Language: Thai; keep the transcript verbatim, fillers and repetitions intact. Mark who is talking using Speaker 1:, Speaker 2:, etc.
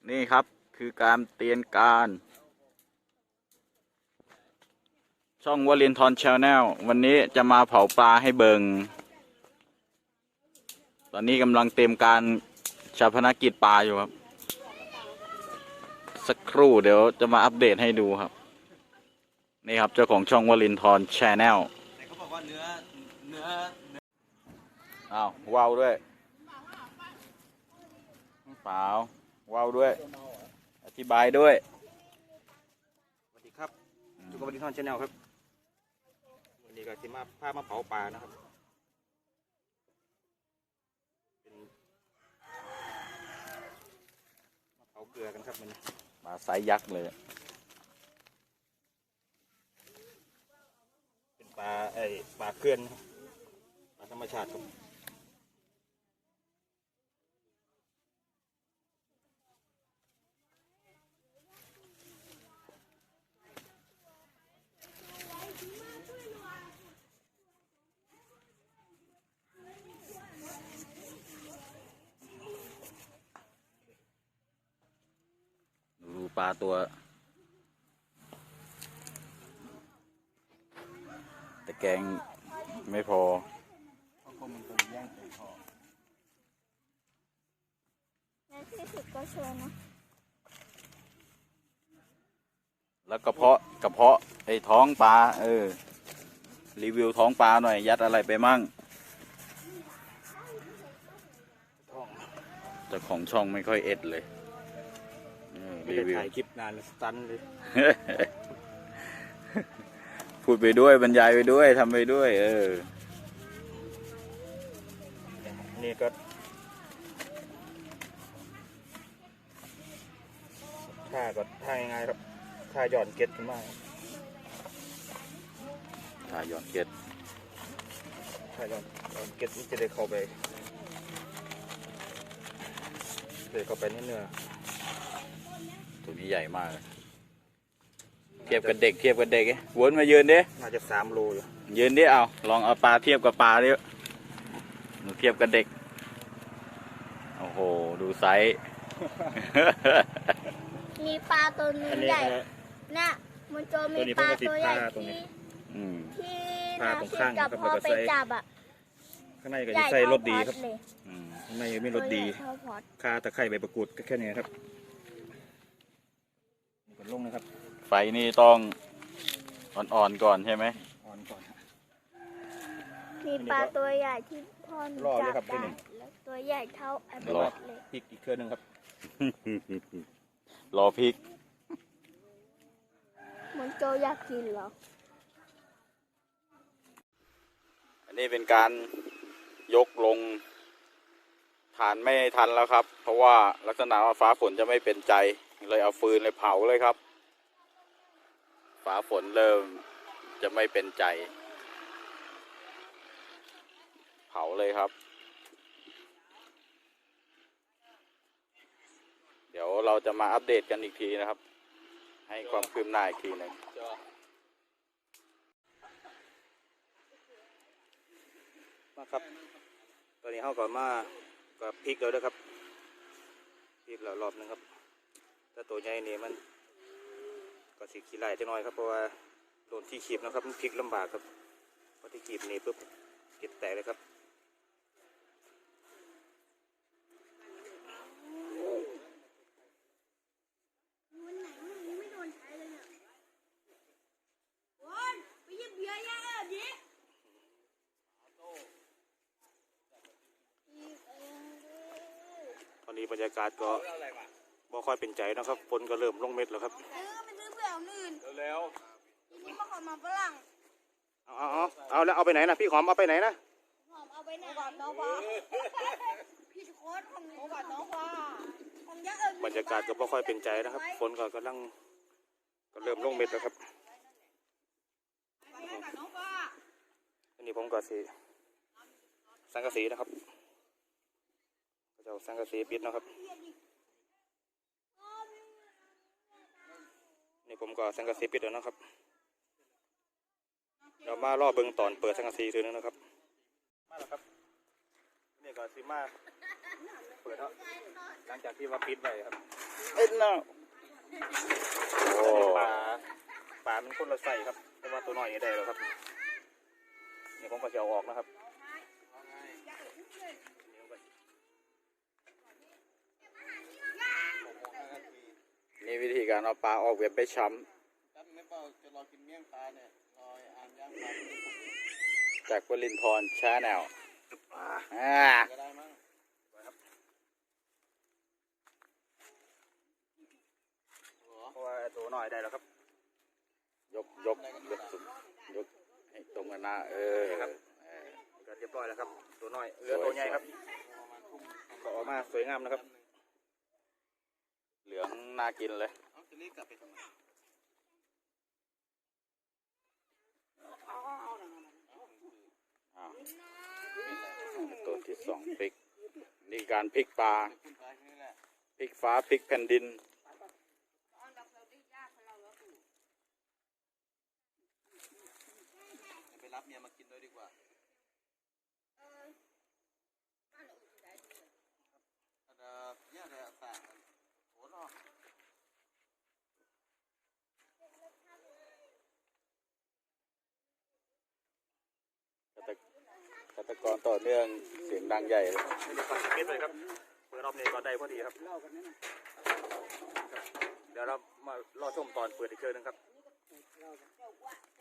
Speaker 1: นี่ครับคือการเตรียมการช่องวลินทร์ชาแนลวันนี้จะมาเผาปลาให้เบิงตอนนี้กำลังเตรียมการชาปนกิจปลาอยู่ครับสักครู่เดี๋ยวจะมาอัปเดตให้ดูครับนี่ครับเจ้าของช่องวลินทร์ชาแนล
Speaker 2: แต่เขาบอกว่าเนื้อเนื้อ
Speaker 1: อ้าวว้าวด้วยเปล่าว้าวด้วยอธิบายด้วย
Speaker 2: สวัสดีครับจุกวลินทร์ชาแนลครับวันนี้ก็จะมาพามาเผาปลานะครับเป็นมาเผาเกลือกันครับมัน
Speaker 1: ปลาไซส์ยักษ์เลย
Speaker 2: เป็นปลาไอ้ปลาเกลือนปลาธรรมชาติครับ
Speaker 1: ดูปลาตัวแต่แกงไม่พอ
Speaker 3: ในที่สุดก็เชิญนะ
Speaker 1: แล้วกระเพาะกระเพาะไอ้ท้องปลาเออรีวิวท้องปลาหน่อยยัดอะไรไปมั่งเจ้าของช่องไม่ค่อยเอ็ดเลย
Speaker 2: รีวิวถ่ายคลิปนานสตันเลย
Speaker 1: พูดไปด้วยบรรยายไปด้วยทำไปด้วยเออ
Speaker 2: นี่ก็ท่าก็ท่าง่ายๆครับท่าหย่อนเก็ตขึ้นมา
Speaker 1: ท่าหย่อนเก็ต
Speaker 2: ท่าหย่อนหย่อนเก็ตนี่จะได้เข้าไปเลยเข้าไปในเนื้อ
Speaker 1: ตัวนี้ใหญ่มากเทียบกับเด็กเทียบกับเด็กวนมายืนดิ
Speaker 2: น่าจะสามโลอยู่
Speaker 1: ยืนดิเอาลองเอาปลาเทียบกับปลาดิหนูเทียบกับเด็กโอ้โหดูไซส์
Speaker 3: มีปลาตัวนึงใหญ่น่ะมันโจมีปลาตัวใหญ่ที่ที่นาคิดกับพ่อไปจับอ่ะ
Speaker 2: ข้างในก็จะใส่รสดีครับข้างในไม่รสดีคาตะไคร้ใบประกูดก็แค่นี้ครับกดลงนะครับ
Speaker 1: ไฟนี่ต้องอ่อนๆก่อนใช่ไหม
Speaker 2: อ่อนก่อน
Speaker 3: มีปลาตัวใหญ่ที่พ่อจับได้แล้วตัวใหญ่เท่าไอ้บอสเลย
Speaker 2: พริกอีกเครื่องนึงครับ
Speaker 1: รอพริก
Speaker 3: มันโจอยากกินเหรอ
Speaker 1: อันนี้เป็นการยกลงฐานไม่ทันแล้วครับเพราะว่าลักษณะว่าฟ้าฝนจะไม่เป็นใจเลยเอาฟืนเลยเผาเลยครับฟ้าฝนเริ่มจะไม่เป็นใจเผาเลยครับเดี๋ยวเราจะมาอัปเดตกันอีกทีนะครับให้ความคืบหน้าอีกทีหนึ่ง
Speaker 2: มาครับตอนนี้เขาก่อนมาก็พริกแล้วนะครับพริกแล้วรอบนึงครับถ้าตัวใหญ่นี่มันก็สีขี้ไหลจะน้อยครับเพราะว่าโดนที่ขีบนะครับมันพลิกลำบากครับพอที่ขีบนี่ปุ๊บเก็บแตกเลยครับตอนนี้บรรยากาศก็บ่ค่อยเป็นใจนะครับฝนก็เริ่มลงเม็ดแล้วครับ
Speaker 3: เออไปซื้อเผื่ออื่น
Speaker 1: เร็ว
Speaker 3: ๆทีนี้มาขอมาฝรั่ง
Speaker 2: เอาเอาเอาแล้วเอาไปไหนนะพี่หอมเอาไปไหนนะ
Speaker 3: หอมเอาไปไหนก่อนน้องฟ้าพี่โค้ดของหนูก่อนน้องฟ้าของยะเอิญ
Speaker 2: บรรยากาศก็บ่ค่อยเป็นใจนะครับฝนก็กำลังก็เริ่มลงเม็ดแล้วครับอันนี้ผมก็สีสังกะสีนะครับก็จะสังกะสีปิดนะครับนี่ผมก็สังกะสีปิดแล้วนะครับเรามารอเบิ่งตอนเปิดสังกะสีทีนึงนะครับมาแล้วครับนี่ก็ซิมาเปิดแล้วหลังจากที่ว่าปิดไปครับ
Speaker 1: เอ็ดน่ะโอ้
Speaker 2: ปลาปลามันคนละใส่ครับแต่ว่าตัวน้อยนี่ได้แล้วครับนี่ผมก็จะเอาออกนะครับ
Speaker 1: นี่วิธีการเอาปลาออกเว็บไปช้
Speaker 4: ครับไม่เปล่าจะรอกินเมี่ยงปลาเนี่ยรออ่านย่างปลา
Speaker 1: ำจากวลินทร์ชาแนลอ่า
Speaker 4: ก็ได้มั้ง
Speaker 2: เพราะว่าตัวน้อยได้แล้วครับ
Speaker 1: ยกยกยกสุดยกให้ตรงกันหน้าเออ
Speaker 2: ครับ
Speaker 1: เออ
Speaker 2: ก็เรียบร้อยแล้วครับ ตัวน้อยเหลือตัวใหญ่ครับก็ออกมาสวยงามนะครับ
Speaker 1: เหลืองน่ากินเลย
Speaker 4: เอาจะรีบกลับไปทำไม
Speaker 1: อ่าตัวที่สองพริก นี่การพริกปลา
Speaker 4: คุณปลาแค่นี้แหละ
Speaker 1: พริกฟ้าพริกแผ่นดิน
Speaker 4: ไปรับเมียมากินด้วยดีกว่าเออเนี่ยอะไรต่างโอ้โห
Speaker 1: ฆาตกรต่อเนื่องเสียงดังใหญ่เลย
Speaker 2: ไม่ได้ฟังสคริปต์เลยครับเปิดรอบนี้ก็ได้พอดีครับ เดี๋ยวเรามารอชมตอนเปิดอีกเชิญนึงครับ